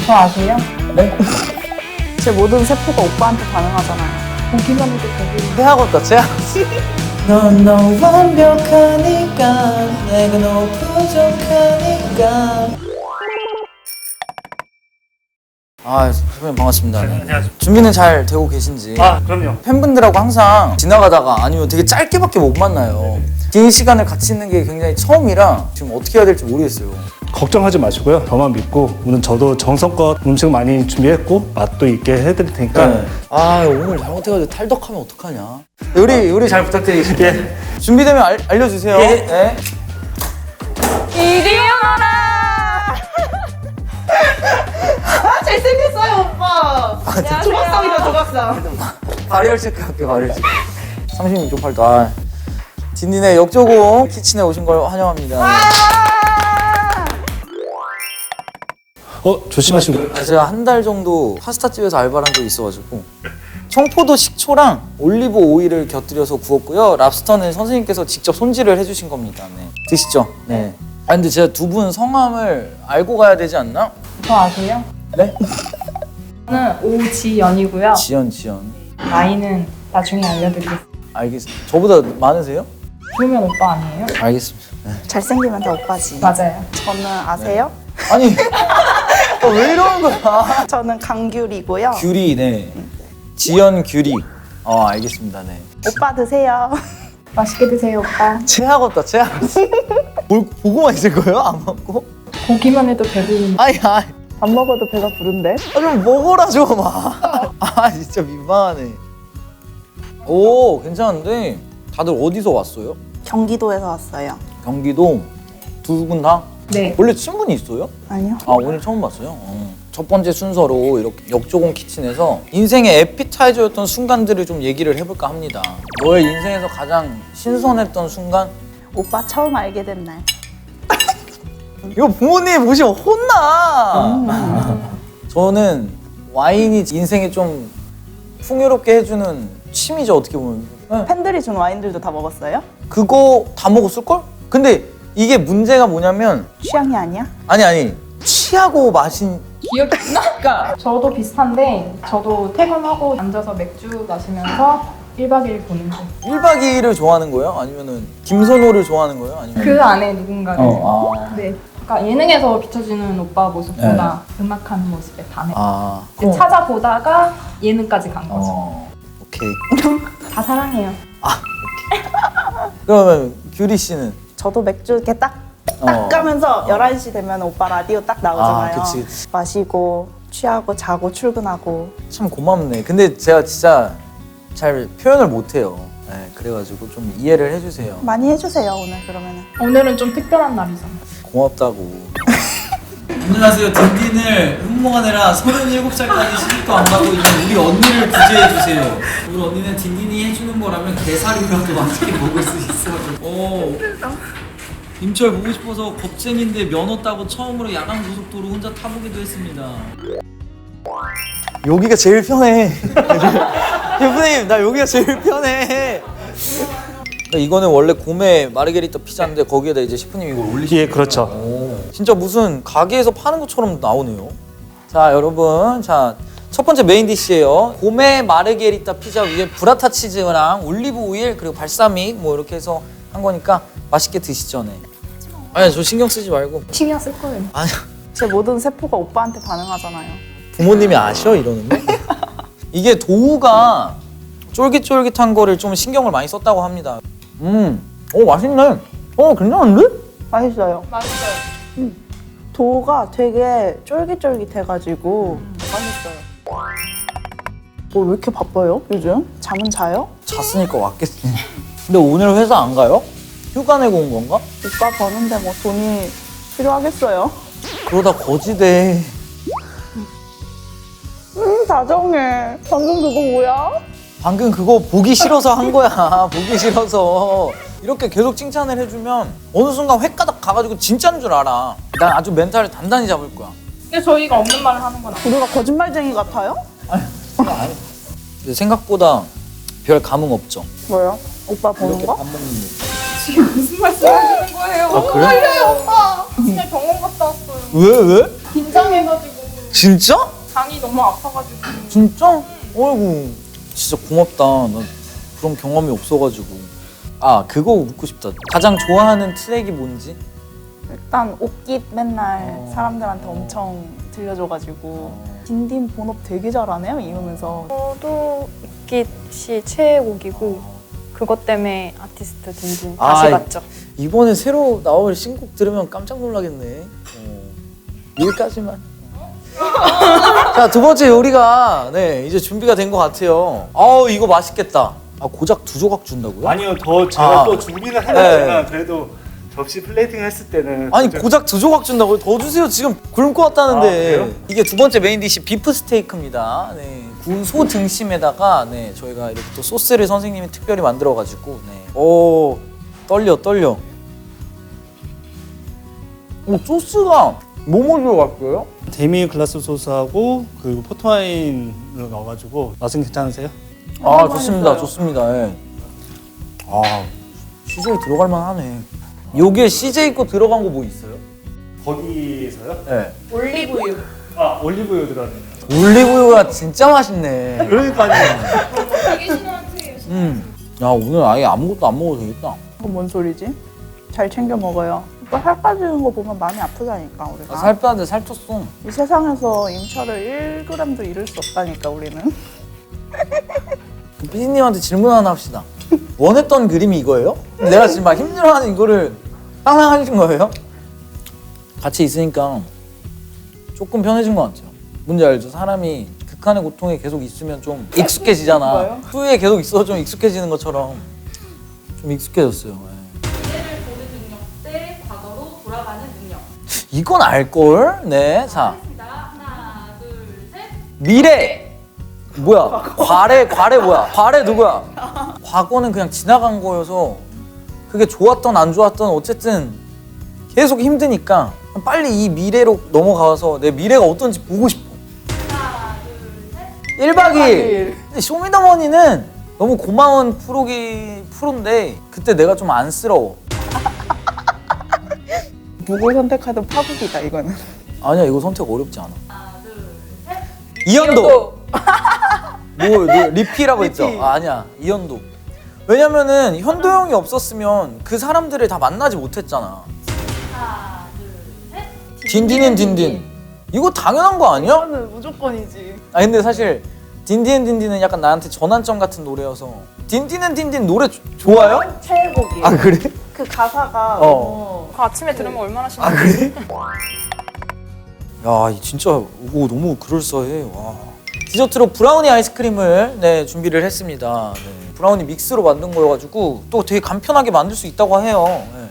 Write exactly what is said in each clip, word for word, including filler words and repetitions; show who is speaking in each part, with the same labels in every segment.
Speaker 1: 저 아세요?
Speaker 2: 네?
Speaker 3: 제 모든 세포가 오빠한테 반응하잖아요.
Speaker 1: 보기만 해도 되게
Speaker 2: 최악없다 최악. 넌 너무 완벽하니까 내가 너무 부족하니까. 아 선배님 반갑습니다.
Speaker 4: 네, 안녕하세요.
Speaker 2: 준비는 잘 되고 계신지.
Speaker 4: 아, 그럼요.
Speaker 2: 팬분들하고 항상 지나가다가 아니면 되게 짧게밖에 못 만나요. 긴 시간을 같이 있는 게 굉장히 처음이라 지금 어떻게 해야 될지 모르겠어요.
Speaker 4: 걱정하지 마시고요. 저만 믿고 오늘 저도 정성껏 음식 많이 준비했고 맛도 있게 해드릴 테니까
Speaker 2: 네. 아 오늘 잘못해가지고 탈덕하면 어떡하냐. 요리 요리 잘 부탁드리겠습니다.
Speaker 4: 예.
Speaker 2: 준비되면 알, 알려주세요.
Speaker 4: 예.
Speaker 2: 네.
Speaker 3: 이리 오너라! 아, 잘생겼어요, 오빠! 야, 조각상이다, 조각상.
Speaker 2: 발열 체크할게요. 발열 체크. 삼십 초 팔도. 아. 딘딘의 역조공 키친에 오신 걸 환영합니다.
Speaker 4: 어 조심하시고.
Speaker 2: 아, 제가 한 달 정도 파스타집에서 알바를 한 적이 있어가지고 청포도 식초랑 올리브 오일을 곁들여서 구웠고요. 랍스터는 선생님께서 직접 손질을 해주신 겁니다. 네. 드시죠. 네. 아 근데 제가 두 분 성함을 알고 가야 되지 않나?
Speaker 1: 저 아세요?
Speaker 2: 네?
Speaker 1: 저는 오지연이고요.
Speaker 2: 지연 지연.
Speaker 1: 나이는 나중에 알려드리겠습니다.
Speaker 2: 알겠습니다. 저보다 많으세요?
Speaker 1: 그러면 오빠 아니에요?
Speaker 2: 알겠습니다. 네.
Speaker 3: 잘생기면 다 오빠지.
Speaker 1: 맞아요.
Speaker 3: 저는 아세요?
Speaker 2: 아니 어, 왜 이러는 거야?
Speaker 3: 저는 강규리고요.
Speaker 2: 규리 네. 지연 규리. 어 알겠습니다. 네.
Speaker 3: 오빠 드세요.
Speaker 1: 맛있게 드세요, 오빠.
Speaker 2: 최악없다 최악. 뭘 보고만 있을 거예요? 안 먹고?
Speaker 1: 보기만 해도 배부른.
Speaker 2: 아니 아니.
Speaker 3: 밥 먹어도 배가 부른데?
Speaker 2: 아, 좀 먹어라 좀. 아, 아 진짜 민망하네. 오 괜찮은데 다들 어디서 왔어요?
Speaker 3: 경기도에서 왔어요.
Speaker 2: 경기도 두 분 다?
Speaker 1: 네.
Speaker 2: 원래 친분이 있어요?
Speaker 3: 아니요.
Speaker 2: 아 오늘 처음 봤어요. 어. 첫 번째 순서로 이렇게 역조공 키친에서 인생의 에피타이저였던 순간들을 좀 얘기를 해볼까 합니다. 너의 인생에서 가장 신선했던 순간?
Speaker 3: 오빠 처음 알게 된 날.
Speaker 2: 이거 부모님 보시면 혼나. 저는 와인이 인생에 좀 풍요롭게 해주는 취미죠 어떻게 보면. 네.
Speaker 3: 팬들이 준 와인들도 다 먹었어요?
Speaker 2: 그거 다 먹었을걸? 근데 이게 문제가 뭐냐면
Speaker 3: 취향이 아니야?
Speaker 2: 아니 아니 취하고 마신
Speaker 1: 기억이 안 나? 그러니까 저도 비슷한데 저도 퇴근하고 앉아서 맥주 마시면서 일 박 이 일 보는 거.
Speaker 2: 일 박 이 일을 좋아하는 거예요? 아니면은 김선호를 좋아하는 거예요? 아니면
Speaker 1: 그 안에 누군가를.
Speaker 2: 어, 아.
Speaker 1: 네. 그러니까 예능에서 비춰지는 오빠 모습보다 음악하는 모습에 반해.
Speaker 2: 아
Speaker 1: 그 찾아보다가 예능까지 간 거죠.
Speaker 2: 어 오케이.
Speaker 1: 다 사랑해요.
Speaker 2: 그러면 규리 씨는
Speaker 3: 저도 맥주 이렇게 딱, 딱
Speaker 2: 어.
Speaker 3: 가면서 열한 시 되면 오빠 라디오 딱 나오잖아요.
Speaker 2: 아, 그치, 그치.
Speaker 3: 마시고, 취하고, 자고, 출근하고.
Speaker 2: 참 고맙네. 근데 제가 진짜 잘 표현을 못해요. 네, 그래가지고 좀 이해를 해주세요.
Speaker 3: 많이 해주세요, 오늘 그러면은.
Speaker 1: 오늘은 좀 특별한 날이잖아.
Speaker 2: 고맙다고. 안녕하세요. 딘딘을 흠모하느라 서른일곱 살까지 시집도 안 가고 있는 우리 언니를 구제해주세요. 우리 언니는 딘딘이 해주는 거라면 게살이라도 맛있게 먹을 수 있어. 오. 임철 보고 싶어서 겁쟁인데 면허 따고 처음으로 야간 고속도로 혼자 타보기도 했습니다. 여기가 제일 편해. 셰프님 나 여기가 제일 편해. 이거는 원래 고메 마르게리타 피자인데 거기에다 이제 셰프님이 이걸 올리시는
Speaker 4: 예, 그렇죠.
Speaker 2: 오, 진짜 무슨 가게에서 파는 것처럼 나오네요. 자 여러분, 자 첫 번째 메인 디시예요. 고메 마르게리타 피자 위에 브라타 치즈랑 올리브 오일 그리고 발사믹 뭐 이렇게 해서 한 거니까 맛있게 드시죠. 네. 아니 저 신경 쓰지 말고.
Speaker 1: 신경 쓸 거예요.
Speaker 2: 아니
Speaker 3: 제 모든 세포가 오빠한테 반응하잖아요.
Speaker 2: 부모님이 아셔 이러는 거? 이게 도우가 쫄깃쫄깃한 거를 좀 신경을 많이 썼다고 합니다. 음, 오 맛있네. 어 괜찮은데?
Speaker 3: 맛있어요.
Speaker 1: 맛있어요.
Speaker 3: 도가 되게 쫄깃쫄깃해가지고 맛있어요. 어, 왜 이렇게 바빠요, 요즘? 잠은 자요?
Speaker 2: 잤으니까 왔겠지. 근데 오늘 회사 안 가요? 휴가 내고 온 건가?
Speaker 3: 오빠 버는데 뭐 돈이 필요하겠어요?
Speaker 2: 그러다 거지돼.
Speaker 3: 음, 다정해. 방금 그거 뭐야?
Speaker 2: 방금 그거 보기 싫어서 한 거야. 보기 싫어서. 이렇게 계속 칭찬을 해주면 어느 순간 횟가닥 가가지고 진짜인 줄 알아. 난 아주 멘탈을 단단히 잡을 거야.
Speaker 1: 근데 저희가 없는 말을 하는 건 아니에요.
Speaker 3: 우리가 거짓말쟁이 같아요?
Speaker 2: 아니. 근데 생각보다 별 감흥 없죠.
Speaker 3: 뭐요? 오빠 보는
Speaker 2: 이렇게
Speaker 3: 거?
Speaker 2: 밥 먹는 거.
Speaker 1: 지금 무슨 말씀 하시는 거예요?
Speaker 2: 아, 그래?
Speaker 1: 헷갈려요, 오빠. 진짜 병원 갔다 왔어요.
Speaker 2: 왜 왜?
Speaker 1: 긴장해가지고.
Speaker 3: 진짜?
Speaker 1: 장이 너무 아파가지고.
Speaker 3: 진짜? 어이구 진짜 고맙다. 나 그런 경험이 없어가지고. 아 그거 묻고 싶다. 가장 좋아하는 트랙이 뭔지?
Speaker 5: 일단 옷깃 맨날
Speaker 3: 어.
Speaker 5: 사람들한테 엄청 들려줘가지고 딘딘 본업 되게 잘하네요 이러면서.
Speaker 6: 저도 웃깃이 최애곡이고 그것 때문에 아티스트 딘딘
Speaker 3: 아,
Speaker 6: 다시 봤죠.
Speaker 3: 이번에 새로 나올 신곡 들으면 깜짝 놀라겠네. 어. 여기까지만. 자, 두 번째 요리가 네 이제 준비가 된 것 같아요. 아우 이거 맛있겠다. 아 고작 두 조각 준다고요?
Speaker 4: 아니요, 더 제가
Speaker 3: 아.
Speaker 4: 또 준비는 해놨지만
Speaker 3: 네.
Speaker 4: 그래도 접시 플레이팅 했을 때는
Speaker 3: 아니
Speaker 4: 진짜-
Speaker 3: 고작 두 조각 준다고요? 더 주세요. 지금 굶고 왔다는데.
Speaker 4: 아, 그래요?
Speaker 3: 이게 두 번째 메인 디시 비프 스테이크입니다. 네, 구운 소 등심에다가 네 저희가 이렇게 또 소스를 선생님이 특별히 만들어가지고 네. 오 떨려 떨려. 오 소스가 뭐뭐 들어갔어요?
Speaker 4: 데미 글라스 소스하고 그리고 포트와인을 넣어가지고 맛은 괜찮으세요?
Speaker 3: 아 좋습니다 좋습니다. 예. 아 씨제이 들어갈 만하네. 요게 씨제이 거 들어간 거 뭐 있어요?
Speaker 4: 거기서요?
Speaker 3: 네.
Speaker 1: 올리브유.
Speaker 4: 아 올리브유 들어갔네요.
Speaker 3: 올리브유가 진짜 맛있네.
Speaker 4: 그러니까요.
Speaker 3: 음. 야 오늘 아예 아무것도 안 먹어도 되겠다.
Speaker 5: 그거 뭔 소리지? 잘 챙겨 먹어요. 오빠 살 빠지는 거 보면 마음이 아프다니까 우리가.
Speaker 3: 나 살 빼는데 살쪘어.
Speaker 5: 이 세상에서 임차를 일 그램도 잃을 수 없다니까 우리는.
Speaker 3: 그 피디님한테 질문 하나 합시다. 원했던 그림이 이거예요? 내가 지금 막 힘들어하는 이거를 상상하신 거예요? 같이 있으니까 조금 편해진 것 같아요. 뭔지 알죠? 사람이 극한의 고통에 계속 있으면 좀 익숙해지잖아.
Speaker 5: 뭐요?
Speaker 3: 후에 계속 있어도 좀 익숙해지는 것처럼 좀 익숙해졌어요. 예.
Speaker 7: 미래를 보는 능력 대 과거로 돌아가는 능력.
Speaker 3: 이건 알걸? 네, 자
Speaker 7: 하겠습니다. 하나, 둘, 셋.
Speaker 3: 미래 뭐야? 과래 과래 뭐야? 과래 누구야? 과거는 그냥 지나간 거여서 그게 좋았던 안 좋았던 어쨌든 계속 힘드니까 빨리 이 미래로 넘어가서 내 미래가 어떤지 보고 싶어.
Speaker 7: 하나, 둘, 셋.
Speaker 3: 일 박 이 일. 근데 쇼미더머니는 너무 고마운 프로기 프로인데 그때 내가 좀 안쓰러워.
Speaker 5: 누굴 선택하든 파국이다 이거는.
Speaker 3: 아니야 이거 선택 어렵지 않아.
Speaker 7: 하나, 둘, 셋.
Speaker 3: 이연도. 뭐, 뭐 리피라고 했죠? 아, 아니야 이연도. 왜냐면은 현도 형이 없었으면 그 사람들을 다 만나지 못했잖아.
Speaker 7: 하나, 둘, 셋.
Speaker 3: 딘딘은 딘딘. 이거 당연한 거 아니야?
Speaker 5: 이거는 무조건이지.
Speaker 3: 아 근데 사실 딘딘은 딘딘은 약간 나한테 전환점 같은 노래여서. 딘딘은 딘딘 노래 조- 좋아요?
Speaker 5: 최애곡이에요.
Speaker 3: 아 그래?
Speaker 5: 그 가사가
Speaker 3: 어.
Speaker 5: 너무
Speaker 6: 그 아침에 들으면 얼마나 신나.
Speaker 3: 아 그래? 야, 이 진짜 오 너무 그럴싸해. 와. 디저트로 브라우니 아이스크림을 네 준비를 했습니다. 네. 브라우니 믹스로 만든 거여가지고 또 되게 간편하게 만들 수 있다고 해요. 네.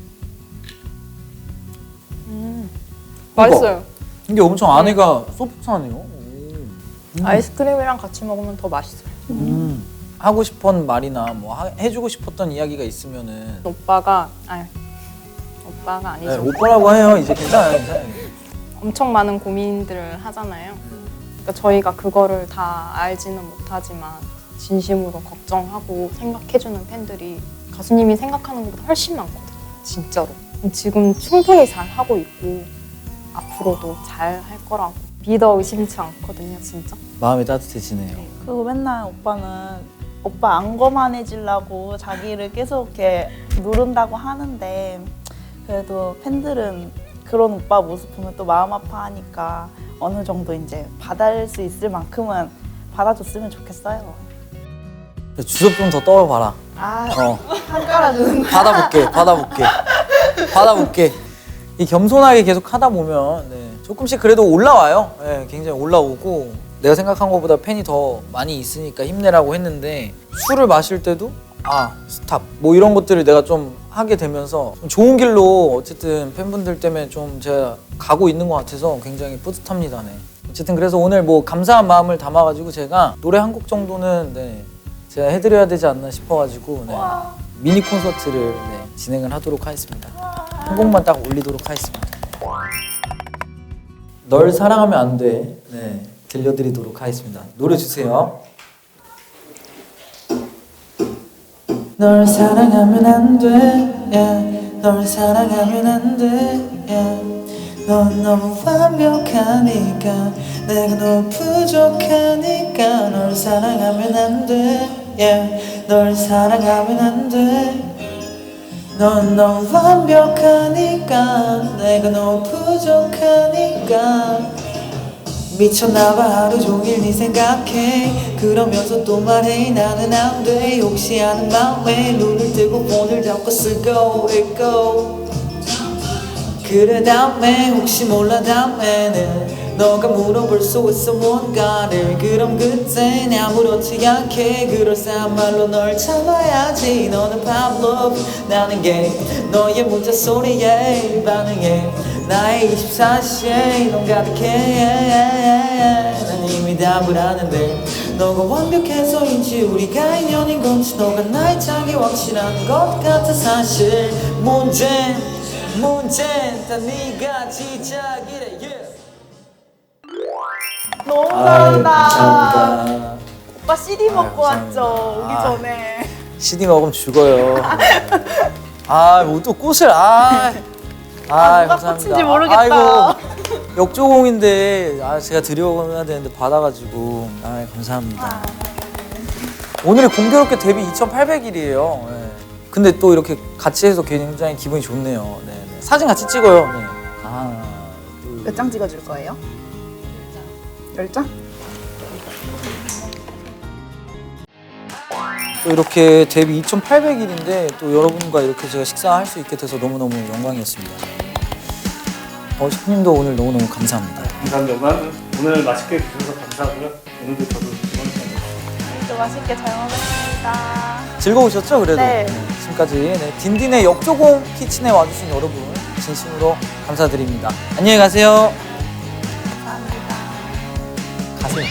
Speaker 6: 맛있어요.
Speaker 3: 이게 엄청 안에가 소프트하네요. 오.
Speaker 6: 아이스크림이랑 같이 먹으면 더 맛있어요.
Speaker 3: 음. 하고 싶은 말이나 뭐 하- 해주고 싶었던 이야기가 있으면은
Speaker 6: 오빠가 아니 오빠가
Speaker 3: 네,
Speaker 6: 아니죠.
Speaker 3: 오빠라고 해요. 이제 괜찮아요, 괜찮아요.
Speaker 6: 엄청 많은 고민들을 하잖아요. 그러니까 저희가 그거를 다 알지는 못하지만 진심으로 걱정하고 생각해주는 팬들이 가수님이 생각하는 것보다 훨씬 많거든요. 진짜로. 지금 충분히 잘 하고 있고 앞으로도 잘 할 거라고 믿어 의심치 않거든요, 진짜.
Speaker 3: 마음이 따뜻해지네요.
Speaker 5: 그리고 맨날 오빠는 오빠 안 거만해지려고 자기를 계속 이렇게 누른다고 하는데 그래도 팬들은 그런 오빠 모습 보면 또 마음 아파하니까 어느 정도 이제 받아줄 수 있을 만큼은 받아줬으면 좋겠어요.
Speaker 3: 주접 좀 더 떨어봐라.
Speaker 5: 아,
Speaker 3: 어,
Speaker 5: 한 깔아주는 거.
Speaker 3: 받아볼게, 받아볼게, 받아볼게. 이 겸손하게 계속 하다 보면 네, 조금씩 그래도 올라와요. 네, 굉장히 올라오고 내가 생각한 것보다 팬이 더 많이 있으니까 힘내라고 했는데 술을 마실 때도 아 스탑 뭐 이런 것들을 내가 좀 하게 되면서 좀 좋은 길로 어쨌든 팬분들 때문에 좀 제가 가고 있는 것 같아서 굉장히 뿌듯합니다. 네. 어쨌든 그래서 오늘 뭐 감사한 마음을 담아가지고 제가 노래 한 곡 정도는 네, 제가 해드려야 되지 않나 싶어가지고 네, 미니 콘서트를 네, 진행을 하도록 하겠습니다. 한 곡만 딱 올리도록 하겠습니다. 널 사랑하면 안 돼. 네, 들려드리도록 하겠습니다. 노래 주세요. 널 사랑하면 안 돼. Yeah. 널 사랑하면 안 돼. Yeah. 넌 너무 완벽하니까 내가 너무 부족하니까 널 사랑하면 안돼 yeah. 널 사랑하면 안돼 넌 너무 완벽하니까 내가 너무 부족하니까 미쳤나봐 하루 종일 네 생각해 그러면서 또 말해 나는 안돼 혹시 아는 맘에 눈을 뜨고 폰을 잡고 쓰고 있고 그래 다음에 혹시 몰라 다음에는 너가 물어볼 수 있어 뭔가를 그럼 그땐 아무렇지 않게 그럴싸한 말로 널 잡아야지 너는 Pavlov 나는 게 너의 문자 소리에 반응해 나의 이십사 시에 넌 가득해 난 이미 답을 아는데 너가 완벽해서인지 우리가 인연인 건지 너가 나의 짝이 확실한 것 같아 사실 문제는 문제는 다 네가 지작이래 yeah.
Speaker 5: 너무
Speaker 3: 아유,
Speaker 5: 잘한다.
Speaker 3: 감사합니다.
Speaker 5: 오빠 씨디 먹고
Speaker 3: 감사합니다.
Speaker 5: 왔죠 오기
Speaker 3: 아.
Speaker 5: 전에.
Speaker 3: 씨디 먹으면 죽어요. 아, 뭐 또 꽃을 아. 아,
Speaker 5: 아, 누가
Speaker 3: 감사합니다.
Speaker 5: 꽃인지 모르겠다.
Speaker 3: 아이고, 역조공인데 아, 제가 드려야 되는데 받아가지고 아, 감사합니다. 오늘이 공교롭게 데뷔 이천팔백 일이에요. 네. 근데 또 이렇게 같이 해서 굉장히 기분이 좋네요. 네, 네. 사진 같이 찍어요. 네. 하나, 둘,
Speaker 5: 몇 장 찍어줄 거예요? 열 장?
Speaker 3: 또 이렇게 데뷔 이천팔백 일인데 또 여러분과 이렇게 제가 식사할 수 있게 돼서 너무너무 영광이었습니다. 어, 셰프님도 오늘 너무너무 감사합니다.
Speaker 4: 감사합니다. 오늘 맛있게 드셔서 감사하고요. 오늘도 저도 즐거웠습니다.
Speaker 5: 또 맛있게 잘 먹었습니다.
Speaker 3: 즐거우셨죠? 그래도
Speaker 5: 네.
Speaker 3: 지금까지 네, 딘딘의 역조공 키친에 와주신 여러분 진심으로 감사드립니다. 안녕히 가세요.
Speaker 5: 감사합니다.
Speaker 3: 가세요.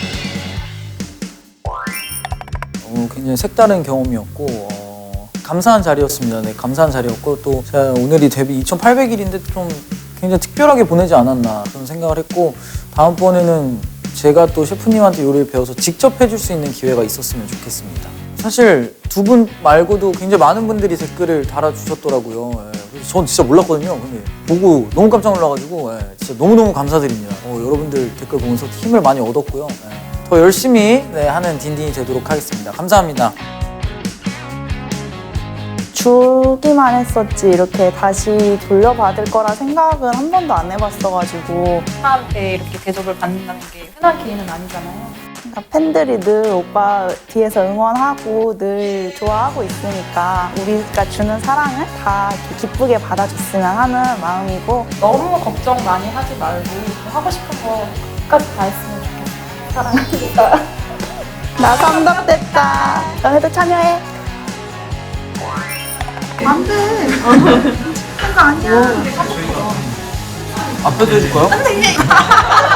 Speaker 3: 어, 굉장히 색다른 경험이었고 어, 감사한 자리였습니다. 네, 감사한 자리였고 또 제가 오늘이 데뷔 이천팔백 일인데 좀 굉장히 특별하게 보내지 않았나 그런 생각을 했고 다음번에는 제가 또 셰프님한테 요리를 배워서 직접 해줄 수 있는 기회가 있었으면 좋겠습니다. 사실 두 분 말고도 굉장히 많은 분들이 댓글을 달아주셨더라고요. 예, 그래서 전 진짜 몰랐거든요. 근데 보고 너무 깜짝 놀라가지고 예, 진짜 너무너무 감사드립니다. 어, 여러분들 댓글 보면서 힘을 많이 얻었고요. 예, 더 열심히 네, 하는 딘딘이 되도록 하겠습니다. 감사합니다.
Speaker 5: 주기만 했었지 이렇게 다시 돌려받을 거라 생각은 한 번도 안 해봤어가지고
Speaker 1: 오빠한테 이렇게 대접을 받는다는 게 흔한 기회는 아니잖아요.
Speaker 5: 그러니까 팬들이 늘 오빠 뒤에서 응원하고 늘 좋아하고 있으니까 우리가 주는 사랑을 다 이렇게 기쁘게 받아줬으면 하는 마음이고
Speaker 1: 너무 걱정 많이 하지 말고 하고 싶은 거 끝까지 다 했으면 좋겠어요. 사랑합니다.
Speaker 5: 나 삼덕됐다. 너네도 참여해.
Speaker 3: 앞에도 해줄까요?